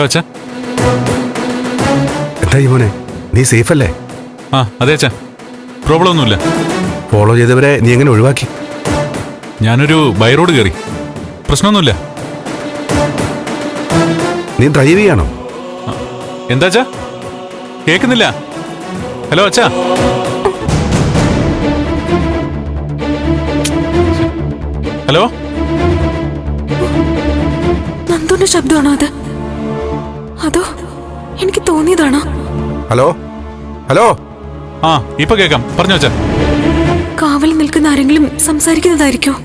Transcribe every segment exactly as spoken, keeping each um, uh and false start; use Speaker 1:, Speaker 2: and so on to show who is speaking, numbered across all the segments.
Speaker 1: അച്ഛാ.
Speaker 2: എന്തായി മോനെ, നീ സേഫ് അല്ലേ?
Speaker 1: ആ അതെ അച്ഛാ, പ്രോബ്ലം ഒന്നുമില്ല.
Speaker 2: ഫോളോ ചെയ്തവരെ നീ എങ്ങനെ ഒഴിവാക്കി?
Speaker 1: ഞാനൊരു ബൈ റോഡ് കയറി, പ്രശ്നമൊന്നുമില്ല.
Speaker 2: നീ ഡ്രൈവ് ചെയ്യാണോ?
Speaker 1: എന്താ അച്ഛാ, കേൾക്കുന്നില്ല? ഹലോ അച്ഛാ. ഹലോ,
Speaker 3: നന്ദുന്റെ ശബ്ദമാണോ അത്? അതോ എനിക്ക് തോന്നിയതാണോ?
Speaker 2: Hello hello.
Speaker 1: ആ ഇപ്പൊ കേക്കാം, പറഞ്ഞോ അച്ഛാ.
Speaker 3: കാവൽ നിൽക്കുന്ന ആരെങ്കിലും സംസാരിക്കുന്നതായിരിക്കോ?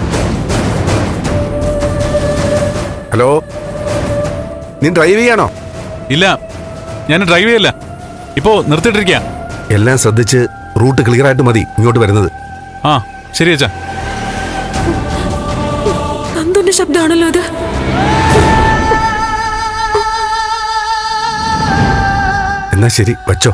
Speaker 2: ഹലോ, നീ ഡ്രൈവ് ചെയ്യാണോ?
Speaker 1: ഇല്ല, ഞാൻ ഡ്രൈവ് ചെയ്യല്ല, ഇപ്പോ നിർത്തിയിട്ടിരിക്കുക.
Speaker 2: എല്ലാം ശ്രദ്ധിച്ച് റൂട്ട് ക്ലിയർ ആയിട്ട് മതി ഇങ്ങോട്ട് വരുന്നത്.
Speaker 1: ആ ശരി അച്ഛാ.
Speaker 3: നന്ദുന്റെ ശബ്ദമാണല്ലോ അത്.
Speaker 2: എന്നാ ശരി, വച്ചോ.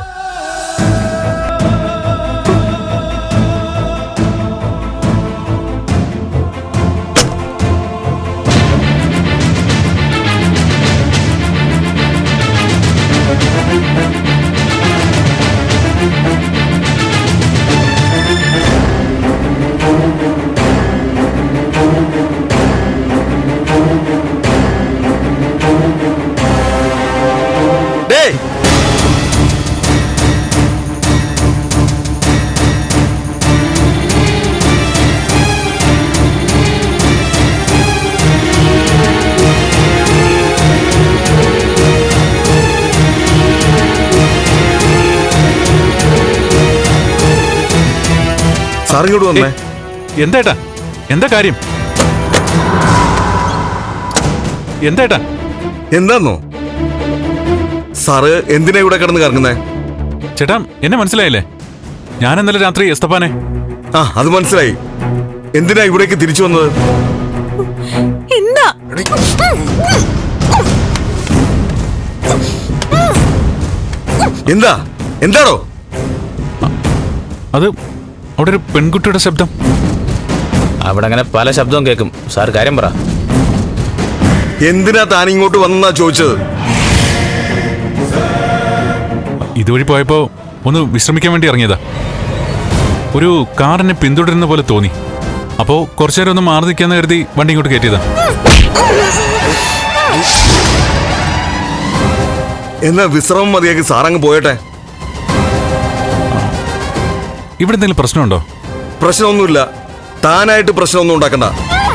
Speaker 2: സാറിങ്ങോട്ട് വന്നേ.
Speaker 1: എന്താ എന്താ കാര്യം? എന്താ
Speaker 2: എന്താന്നോ? സാറ് എന്തിനാ ഇവിടെ കിടന്ന് കറങ്ങുന്നേ?
Speaker 1: ചേട്ടാ, എന്നെ മനസ്സിലായില്ലേ? ഞാൻ ഇന്നലെ രാത്രി എസ്തപ്പാനെ.
Speaker 2: ആ അത് മനസ്സിലായി. എന്തിനാ ഇവിടേക്ക് തിരിച്ചു വന്നത്?
Speaker 3: എന്താ
Speaker 2: എന്താ എന്താണോ
Speaker 1: അത്? അവിടെ ഒരു പെൺകുട്ടിയുടെ ശബ്ദം.
Speaker 4: അവിടെ അങ്ങനെ പല ശബ്ദവും കേൾക്കും. സാർ കാര്യം പറ.
Speaker 2: എന്തിനാ താൻ ഇങ്ങോട്ട് വന്നാ ചോദിച്ചത്?
Speaker 1: ഇതുവഴി പോയപ്പോ ഒന്ന് വിശ്രമിക്കാൻ വേണ്ടി ഇറങ്ങിയതാ. ഒരു കാർ എന്നെ പിന്തുടരുന്ന പോലെ തോന്നി. അപ്പോ കുറച്ചു നേരം ഒന്ന് മാറി നിൽക്കാന്ന് കരുതി വണ്ടി ഇങ്ങോട്ട് കയറ്റിയതാ.
Speaker 2: എന്നാ വിശ്രമം മതിയാക്കി സാറങ്ങ് പോയട്ടെ.
Speaker 1: ഇവിടെ എന്തെങ്കിലും പ്രശ്നമുണ്ടോ?
Speaker 2: പ്രശ്നമൊന്നുമില്ല. താനായിട്ട് പ്രശ്നമൊന്നും ഉണ്ടാക്കണ്ട.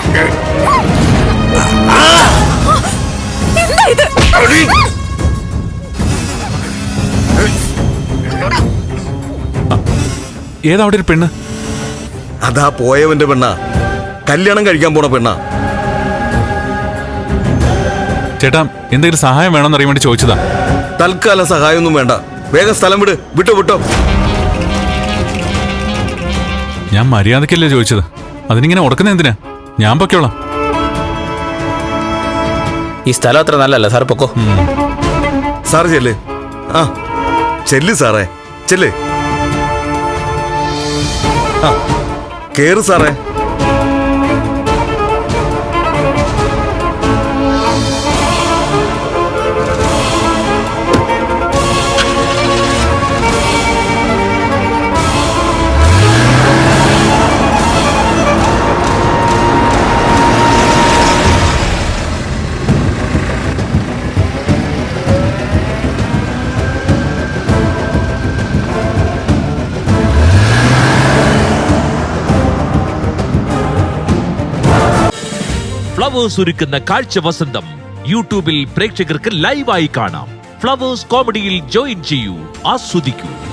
Speaker 1: ഏതാ അവിടെ ഒരു പെണ്ണ്?
Speaker 2: അതാ പോയവന്റെ പെണ്ണ, കല്യാണം കഴിക്കാൻ പോണ പെണ്ണ.
Speaker 1: ചേട്ടാ, എന്തെങ്കിലും സഹായം വേണമെന്ന് അറിയാൻ വേണ്ടി ചോദിച്ചതാ.
Speaker 2: തൽക്കാലം സഹായമൊന്നും വേണ്ട. വേഗം സ്ഥലം വിട്. വിട്ടോ വിട്ടോ.
Speaker 1: ഞാൻ മര്യാദക്കല്ലേ ചോദിച്ചത്, അതിനിങ്ങനെ ഉടക്കുന്ന എന്തിനാ? ഞാൻ പൊക്കോളാം.
Speaker 4: ഈ സ്ഥലം അത്ര നല്ലല്ല, സാർ പൊക്കോ.
Speaker 2: സാറ് ചെല്ല്. ആ ചെല്ല് സാറേ, ചെല്ല്. ആ കേറ് സാറേ.
Speaker 5: ഫ്ലവേഴ്സ് ഒരുക്കുന്ന കാഴ്ച വസന്തം യൂട്യൂബിൽ പ്രേക്ഷകർക്ക് ലൈവായി കാണാം. ഫ്ലവേഴ്സ് കോമഡിയിൽ ജോയിൻ ചെയ്യൂ, ആസ്വദിക്കൂ.